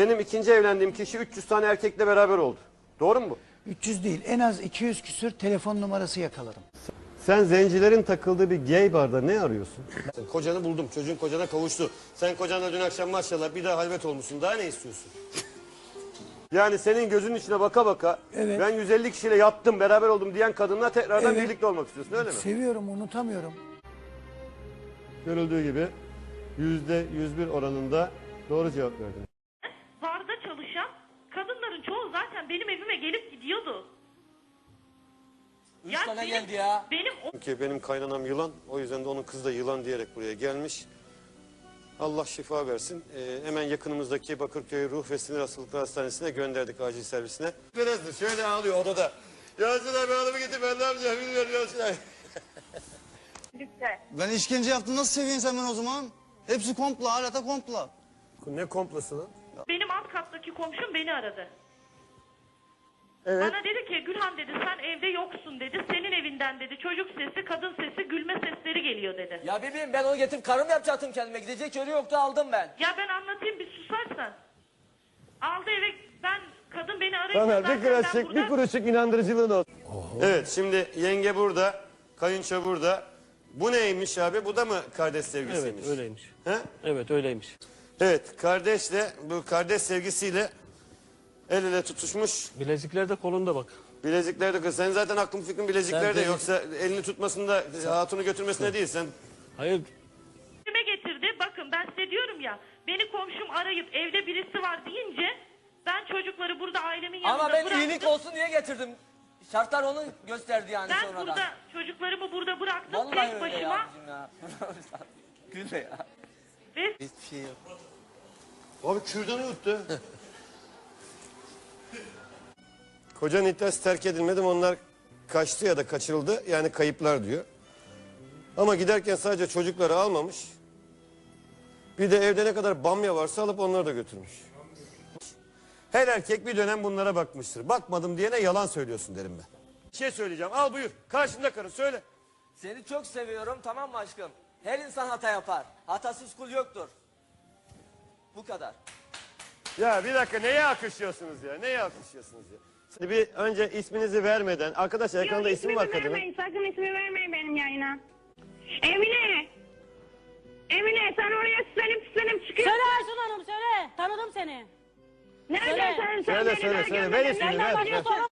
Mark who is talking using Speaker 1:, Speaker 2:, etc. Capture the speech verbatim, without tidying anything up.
Speaker 1: Benim ikinci evlendiğim kişi üç yüz tane erkekle beraber oldu. Doğru mu bu?
Speaker 2: üç yüz değil, en az iki yüz küsür telefon numarası yakaladım.
Speaker 1: Sen zencilerin takıldığı bir gay barda ne arıyorsun? Kocanı buldum. Çocuğun kocana kavuştu. Sen kocanla dün akşam maşallah bir daha halvet olmuşsun. Daha ne istiyorsun? Yani senin gözünün içine baka baka
Speaker 2: Evet.
Speaker 1: ben yüz elli kişiyle yattım, beraber oldum diyen kadınla tekrardan
Speaker 2: Evet.
Speaker 1: birlikte olmak istiyorsun, öyle mi?
Speaker 2: Seviyorum, unutamıyorum.
Speaker 1: Görüldüğü gibi yüzde yüz bir oranında doğru cevap verdin.
Speaker 3: Barda çalışan kadınların çoğu zaten benim evime gelip gidiyordu.
Speaker 4: Üç
Speaker 3: Ya
Speaker 4: tane
Speaker 3: benim-
Speaker 4: geldi ya.
Speaker 3: Benim o-
Speaker 1: Çünkü benim kaynanam yılan, o yüzden de onun kızı da yılan diyerek buraya gelmiş. Allah şifa versin. Ee, hemen yakınımızdaki Bakırköy Ruh ve Sinir Hastalıkları Hastanesi'ne gönderdik, acil servisine. Birazdır şöyle ağlıyor odada. Yasin abi adamı getir, ben ne yapacağım bilmiyorum Yasin abi.
Speaker 5: Lütfen.
Speaker 6: Ben işkence yaptım, nasıl seveyim sen ben o zaman? Hepsi komplo, hala da komplo.
Speaker 1: Ne komplosu lan?
Speaker 3: benim alt kattaki komşum beni aradı.
Speaker 1: Evet.
Speaker 3: Bana dedi ki Gülhan dedi sen evde yoksun dedi. Senin evinden dedi çocuk sesi, kadın sesi, gülme sesleri geliyor dedi.
Speaker 4: Ya bebeğim ben onu getirip karım yapacaktım kendime. Gidecek yeri yoktu aldım ben.
Speaker 3: Ya ben anlatayım bir susarsan. Aldı eve ben kadın beni arayınca
Speaker 1: Tamer
Speaker 3: zaten
Speaker 1: bir
Speaker 3: ben
Speaker 1: kuruşluk,
Speaker 3: burada...
Speaker 1: bir kuruşluk inandırıcılığın olsun. Evet, şimdi yenge burada, kayınço burada. Bu neymiş abi? Bu da mı kardeş sevgisiymiş?
Speaker 7: Evet öyleymiş.
Speaker 1: He?
Speaker 7: Evet öyleymiş.
Speaker 1: Evet, kardeşle, bu kardeş sevgisiyle el ele tutuşmuş.
Speaker 7: Bilezikler de kolunda bak.
Speaker 1: Bilezikler de kız. Sen zaten aklın fikrin bileziklerde,
Speaker 7: Sen-
Speaker 1: yoksa elini tutmasında, hatunu götürmesine değil. Sen
Speaker 7: Hayır
Speaker 3: Evime getirdi. Bakın ben size diyorum ya. Beni komşum arayıp evde birisi var deyince ben çocukları burada ailemin yanında
Speaker 4: Ama ben
Speaker 3: bıraktım.
Speaker 4: iyilik olsun diye getirdim. Şartlar onu gösterdi yani
Speaker 3: Ben
Speaker 4: sonradan.
Speaker 3: burada çocuklarımı burada bıraktım
Speaker 4: Vallahi
Speaker 3: tek
Speaker 4: öyle
Speaker 3: başıma
Speaker 4: ya bizim ya. Gülme ya.
Speaker 3: ve
Speaker 6: Hiçbir şey yok.
Speaker 1: Abi kürdanı yuttu. Kocanın iddiası terk edilmedim. Onlar kaçtı ya da kaçırıldı. Yani kayıplar diyor. Ama giderken sadece çocukları almamış. Bir de evde ne kadar bamya varsa alıp onları da götürmüş. Her erkek bir dönem bunlara bakmıştır. Bakmadım diyene yalan söylüyorsun derim ben. Bir şey söyleyeceğim. Al buyur. Karşımda karın söyle.
Speaker 4: Seni çok seviyorum, tamam mı aşkım? Her insan hata yapar. Hatasız kul yoktur. Bu kadar.
Speaker 1: Ya bir dakika, neye alkışlıyorsunuz ya? Neye alkışlıyorsunuz ya? Şimdi bir önce isminizi vermeden. Arkadaşlar ekranda
Speaker 5: Yok,
Speaker 1: isim var
Speaker 5: ismimi
Speaker 1: kadının.
Speaker 5: vermeyin. Sakın ismi vermeyin benim yayına. Emine. Emine sen oraya süslenip süslenip çıkıyorsun.
Speaker 8: Söyle Aysun Hanım söyle. Tanıdım seni.
Speaker 5: Nereden
Speaker 8: söyle.
Speaker 5: sen, sen
Speaker 1: Söyle,
Speaker 5: beni
Speaker 1: söyle,
Speaker 5: daha
Speaker 1: söyle. Ver
Speaker 5: görmedin.
Speaker 1: ismini,
Speaker 5: Nereden
Speaker 1: ver,
Speaker 5: bakıyorsun?
Speaker 1: ver.